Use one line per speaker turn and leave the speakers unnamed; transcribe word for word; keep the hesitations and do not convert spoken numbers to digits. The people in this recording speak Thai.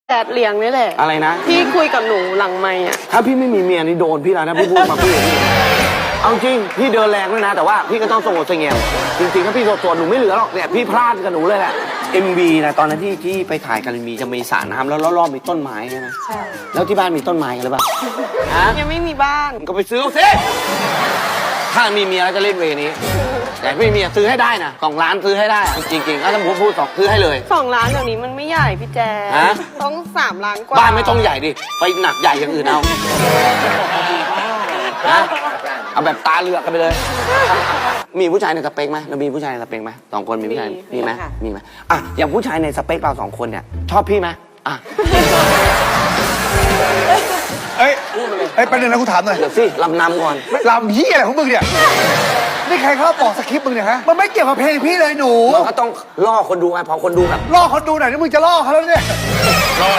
แดดเลี้ยงนี่แหละ
อะไรนะ
พี่คุยกับหนูหลังไม่อะ
ถ้าพี่ไม่มีเมียนี่โดนพี่แล้วนะพี่พูดมาพี่เอาจริงพี่เดินแรงด้วยนะแต่ว่าพี่ก็ต้องสงบเสงี่ยมจริงๆถ้าพี่โดนหนูไม่เหลือหรอกเนี่ยพี่พลาดกับหนูเลยแหละ เอ็ม วี นะตอนนั้นที่ที่ไปถ่ายกันมีจะมีสระน้ำแล้วรอบๆมีต้นไม้ใช่ไหมใช่แล้วที่บ้านมีต้นไม้กันหรือเปล่าฮะ
ยังไม่มีบ้าน
ก็ไปซื้อเอาสิถ้ามีเมียแล้วจะเล่นเวนี้แต่ไม่มีเมียซื้อให้ได้นะสองล้านซื้อให้ได้จริงๆถ้าผมพูดสองซื้อให้เลย
สองล้านเดี๋ยวนี้มันไม่ใหญ่พี่แจ๊คต้องสามล้านกว่า
บ้านไม่ต้องใหญ่ดิไปหนักใหญ่อย่างอื่นเอานะเอาแบบตาเลือกกันไปเลย มีผู้ชายในสเปคไหมเรามีผู้ชายในสเปคไหมสองคนมีผู้ชายมีไหมมีไหมอ่ะอย่างผู้ชายในสเปคเราสองคนเนี่ยชอบพี่ไหมอ่ะ
เอ้ยเอ้ยประเด็นนะกูถามหน่อย
เดี๋ยวสิลำนำก่อน
ลำยี่อะไรของมึงเนี่ยนี่ใครเขาบอกสคริปต์มึงเนี่ยฮะมันไม่เกี่ยวกับเพลงพี่เลยหนู
มันก็ต้องล่อคนดูไงพอคนดูแบบ
ล่อคนดูหน่อยนี่มึงจะล่อเขาแล้วเนี่ย